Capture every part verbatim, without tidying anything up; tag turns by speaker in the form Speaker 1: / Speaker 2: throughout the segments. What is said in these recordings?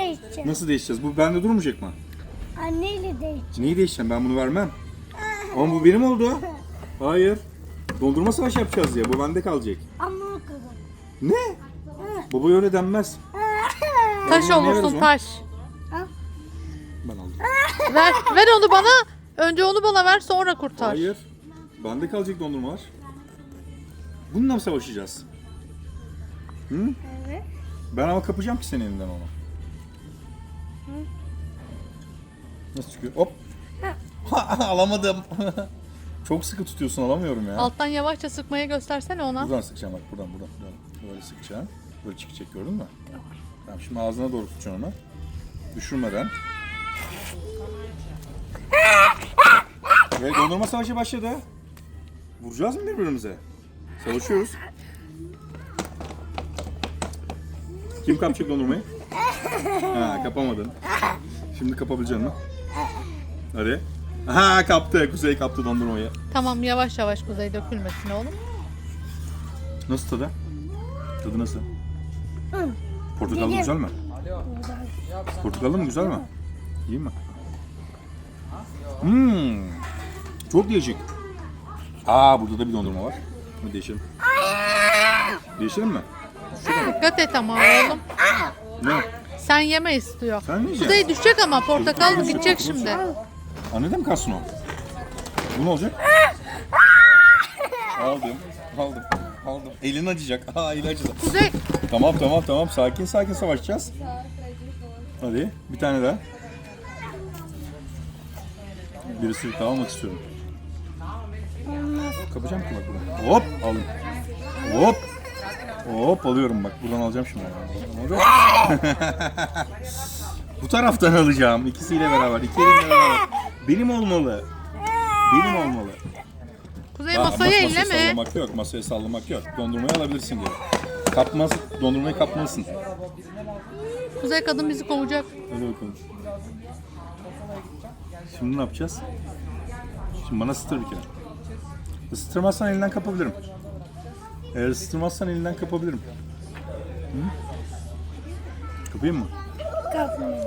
Speaker 1: değişeceğim.
Speaker 2: Nasıl değişeceğiz? Bu bende durmayacak mı?
Speaker 1: Anneyle değişeceğim.
Speaker 2: Neyi değişeceğim? Ben bunu vermem. Ama bu benim oldu. Hayır. Dondurma savaşı yapacağız ya. Bu bende kalacak.
Speaker 1: Ama o kadar.
Speaker 2: Ne? Baba öyle denmez.
Speaker 3: Taş
Speaker 2: Bunu ne veririz
Speaker 3: olursun
Speaker 2: ona?
Speaker 3: taş.
Speaker 2: Ben aldım.
Speaker 3: Ver, ver onu bana. Önce onu bana ver, sonra kurtar.
Speaker 2: Hayır. Bende kalacak dondurmalar. Bununla mı savaşacağız? Hı?
Speaker 1: Evet.
Speaker 2: Ben ama kapacağım ki senin elinden onu. Nasıl çıkıyor? Hop. Alamadım. Çok sıkı tutuyorsun, alamıyorum ya.
Speaker 3: Alttan yavaşça sıkmaya göstersene ona.
Speaker 2: Buradan sıkacağım bak, buradan buradan. buradan. Böyle sıkacağım. Böyle çıkacak, gördün mü? Tamam, şimdi ağzına doğru tutacaksın onu. Düşürmeden. Ve dondurma savaşı başladı. Vuracağız mı birbirimize? Savaşıyoruz. Kim kapacak dondurmayı? Ha, kapamadın. Şimdi kapabileceksin mi? Hadi. Ha, kaptı. Kuzey kaptı dondurmayı.
Speaker 3: Tamam, yavaş yavaş Kuzey, dökülmesin oğlum.
Speaker 2: Nasıl tadı? Tadı nasıl?
Speaker 1: Hı.
Speaker 2: Portakallı
Speaker 1: Güzel.
Speaker 2: güzel mi? Portakallı mı güzel mi? İyi mi? Hmm. Çok değişik. Aa, burada da bir dondurma var. Hadi değişelim. Değişelim mi?
Speaker 3: Dikkat et ama oğlum.
Speaker 2: Ne?
Speaker 3: Sen yeme istiyor.
Speaker 2: Sen mi yiyeceksin?
Speaker 3: Kuzey düşecek ama portakal
Speaker 2: Çocuk
Speaker 3: gidecek
Speaker 2: düşecek,
Speaker 3: şimdi.
Speaker 2: Anne de mi kalsın o? Bu ne olacak? Aldım. Aldım. Aldım. Elin acıyacak. Aa, eli acıdı.
Speaker 3: Kuzey,
Speaker 2: Tamam tamam tamam. Sakin sakin savaşacağız. Hadi bir tane daha. Bir ısırık daha almak istiyorum. Kapacağım ki bak buradan. Hop aldım. Hop. Hop alıyorum bak. Buradan alacağım şimdi. Bu taraftan alacağım. İkisiyle beraber. İki elimle beraber. Benim olmalı. Benim olmalı.
Speaker 3: Kuzey
Speaker 2: Aa,
Speaker 3: masayı
Speaker 2: mas- masaya
Speaker 3: elleme.
Speaker 2: sallamak yok. Masaya sallamak yok. Dondurmayı alabilirsin diyor. Kapmaz. Dondurmayı kapmalısın.
Speaker 3: Kuzey, kadın bizi kovacak.
Speaker 2: Hadi bakalım. Şimdi ne yapacağız? Şimdi bana ısıtır bir kere. Isıtırmazsan elinden kapabilirim. Eğer ısıtırmazsan elinden kapabilirim. Hı? Kapayım mı?
Speaker 1: Kapmayın.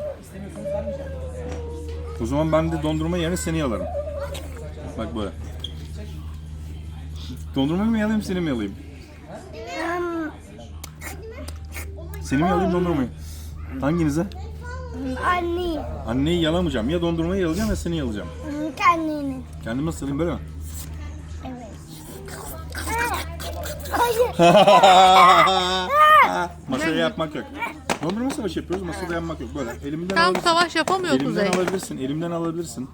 Speaker 2: O zaman ben de dondurma yerine seni yalarım. Bak böyle. Dondurmayı mı yalayayım, seni mi yalayayım? Seni mi yalayayım, dondurmayı? Hanginize?
Speaker 1: Anne.
Speaker 2: Anneyi yalamayacağım. Ya dondurmayı yalayacağım ya seni yalayacağım.
Speaker 1: Kendini.
Speaker 2: Kendime nasıl yalayayım, böyle mi?
Speaker 1: Evet. Hayır.
Speaker 2: Masaya yapmak yok. Dondurma savaşı yapıyoruz, masada yapmak yok. Böyle elimden
Speaker 3: Tam
Speaker 2: alabilirsin.
Speaker 3: savaş yapamıyor
Speaker 2: Elimden
Speaker 3: Kuzey.
Speaker 2: alabilirsin, elimden alabilirsin.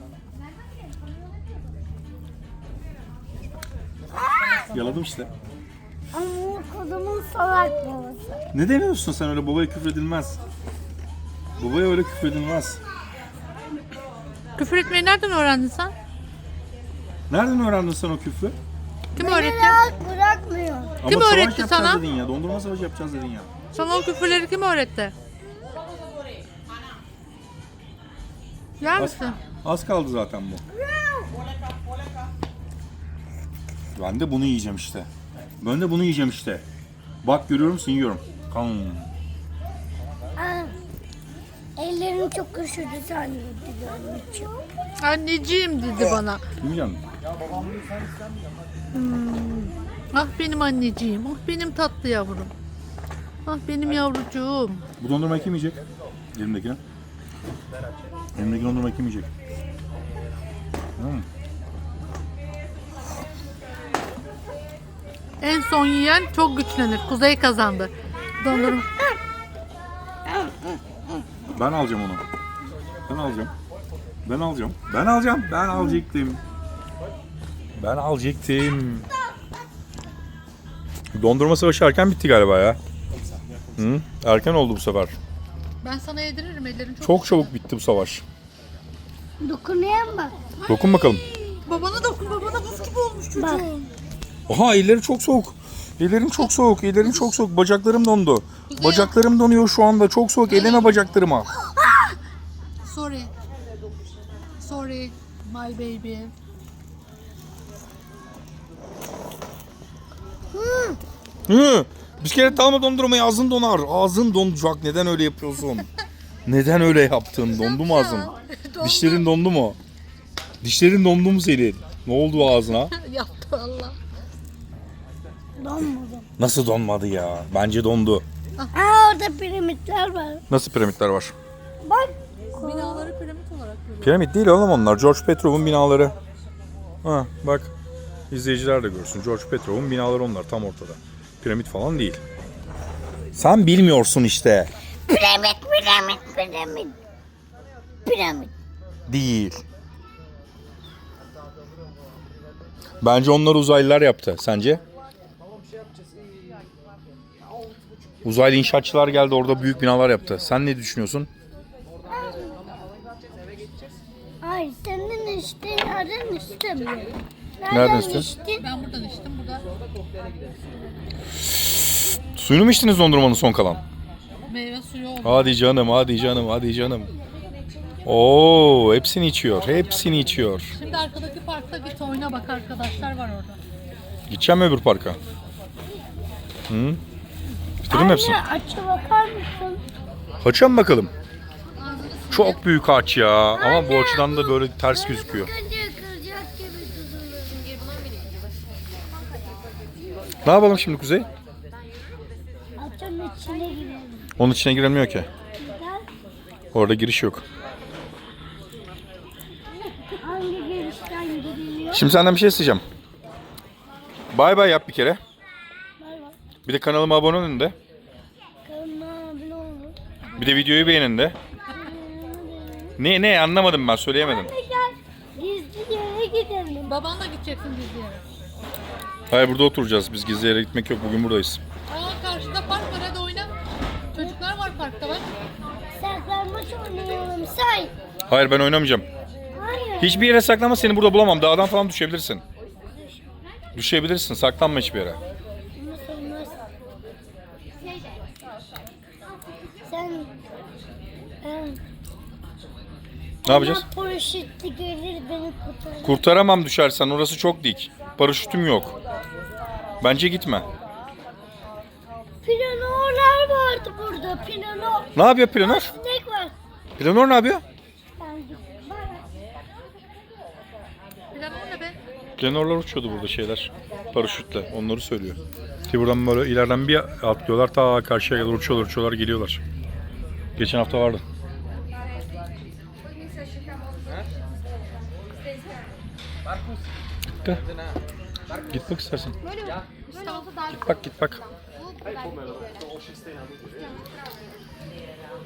Speaker 2: Yaladım işte.
Speaker 1: Ama o kodumun salak babası.
Speaker 2: Ne demiyorsun sen öyle, babaya küfredilmez. Babaya öyle küfredilmez.
Speaker 3: Küfür etmeyi nereden öğrendin sen?
Speaker 2: Nereden öğrendin sen o küfrü?
Speaker 3: Kim
Speaker 1: Beni
Speaker 3: öğretti?
Speaker 1: rahat bırakmıyor.
Speaker 2: Ama
Speaker 3: Kim
Speaker 2: savaş
Speaker 3: öğretti
Speaker 2: yapacağız
Speaker 3: sana?
Speaker 2: dedin ya, dondurma savaşı yapacağız dedin ya.
Speaker 3: Sana o küfürleri kim öğretti? Yer
Speaker 2: Az,
Speaker 3: misin?
Speaker 2: az kaldı zaten bu. Ben de bunu yiyeceğim işte. Ben de bunu yiyeceğim işte. Bak görüyor musun, yiyorum. Kan.
Speaker 1: Aa, ellerim çok üşüdü zannediyorum için.
Speaker 3: Anneciğim dedi bana.
Speaker 2: Yemeyeceğim.
Speaker 3: Ah benim anneciğim, ah benim tatlı yavrum. Ah benim yavrucuğum.
Speaker 2: Bu dondurmayı kim yiyecek? Elimdekine. Elimdeki dondurmayı kim yiyecek? Hmm.
Speaker 3: En son yiyen çok güçlenir. Kuzey kazandı. Dondurma.
Speaker 2: Ben alacağım onu. Ben alacağım. Ben alacağım. Ben alacağım. Ben alacaktım. Ben alacaktım. Dondurma savaşı erken bitti galiba ya. Hı? Erken oldu bu sefer.
Speaker 3: Ben sana yediririm, ellerin çok...
Speaker 2: Çok çabuk bitti bu savaş.
Speaker 1: Dokunuyor bak.
Speaker 2: Dokun bakalım.
Speaker 3: Babana dokun, babana buz gibi olmuş çocuğum.
Speaker 1: Bak.
Speaker 2: Oha, elleri çok soğuk. Ellerim çok soğuk. Ellerim çok soğuk. Bacaklarım dondu. Bacaklarım donuyor şu anda. Çok soğuk. Eleme bacaklarıma.
Speaker 3: Sorry. Sorry, my baby.
Speaker 2: Hı. Bir kere dalma dondurmayı, ağzın donar. Ağzın donacak. Neden öyle yapıyorsun? Neden öyle yaptın? Dondu mu ağzın?
Speaker 3: Dondu.
Speaker 2: Dişlerin dondu mu? Dişlerin dondu mu senin? Ne oldu ağzına?
Speaker 3: Yaptı valla.
Speaker 1: Donmadım.
Speaker 2: Nasıl donmadı ya? Bence dondu.
Speaker 1: Aa orada piramitler var.
Speaker 2: Nasıl piramitler var?
Speaker 1: Bak.
Speaker 3: Binaları piramit olarak görüyorum.
Speaker 2: Piramit değil oğlum onlar. George Petrov'un binaları. Ha bak. İzleyiciler de görsün. George Petrov'un binaları onlar tam ortada. Piramit falan değil. Sen bilmiyorsun işte.
Speaker 1: Piramit, piramit, piramit. Piramit.
Speaker 2: Değil. Bence onları uzaylılar yaptı. Sence? Uzaylı inşaatçılar geldi orada büyük binalar yaptı. Sen ne düşünüyorsun?
Speaker 1: Ay senin içtiğin yerden istemiyorum.
Speaker 2: Nereden istiyorsun?
Speaker 1: içtin?
Speaker 3: Ben buradan içtim. Burada
Speaker 2: Suyunu mu içtiniz dondurmanın son kalan?
Speaker 3: meyve suyu oldu.
Speaker 2: Hadi canım, hadi canım, hadi canım. Oo, hepsini içiyor. Hepsini içiyor.
Speaker 3: Şimdi arkadaki parkta git oyna bak, arkadaşlar var orada.
Speaker 2: Gideceğim mi öbür parka? Hı? Bitirdin mi hepsini?
Speaker 1: Anne açı bakar mısın?
Speaker 2: Haça mı bakalım?
Speaker 3: Ağzını sil.
Speaker 2: Çok büyük ağaç ya. Ama bu açıdan da böyle ters gözüküyor.
Speaker 1: Kıracak kıracak gibi tutulur.
Speaker 2: Ne yapalım şimdi Kuzey?
Speaker 1: Açın içine girelim.
Speaker 2: Onun içine girilmiyor ki.
Speaker 1: Neden?
Speaker 2: Orada giriş yok.
Speaker 1: Hangi girişten giriliyor?
Speaker 2: Şimdi senden bir şey isteyeceğim. Bay bay yap bir kere.
Speaker 1: Bay bay.
Speaker 2: Bir de kanalıma abone olun de.
Speaker 1: Kanalıma abone olun.
Speaker 2: Bir de videoyu beğenin de. Ne ne anlamadım ben söyleyemedim.
Speaker 1: Anne gel. Gizli yere gidelim.
Speaker 3: Babanla gideceksin biz yere.
Speaker 2: Hayır burada oturacağız. Biz gizli yere gitmek yok. Bugün buradayız.
Speaker 3: Aa karşıda park var, hadi oyna. Çocuklar var parkta bak.
Speaker 1: Saklanmaç oynayalım say.
Speaker 2: Hayır ben oynamayacağım.
Speaker 1: Hayır.
Speaker 2: Hiçbir yere saklanma seni burada bulamam. Dağdan falan düşebilirsin. Düşebilirsin. Saklanma hiçbir yere.
Speaker 1: Nasıl olmaz? Sen... Ben...
Speaker 2: Ne yapacağız?
Speaker 1: Ama paraşütü gelir beni kurtarır.
Speaker 2: Kurtaramam düşersen. Orası çok dik. Paraşütüm yok. Bence gitme.
Speaker 1: Planolar vardı burada. Planor.
Speaker 2: Ne yapıyor planör?
Speaker 1: Sinek var.
Speaker 2: Planör ne yapıyor?
Speaker 1: Ben gittim. Bay bay.
Speaker 3: Plan o ne be?
Speaker 2: Planörler uçuyordu burada şeyler. Paraşütle. Onları söylüyor. Ki buradan böyle ileriden bir atlıyorlar. Ta karşıya kadar uçuyorlar uçuyorlar geliyorlar. Geçen hafta vardı. Git de. Git bak istersen. Git bak git bak.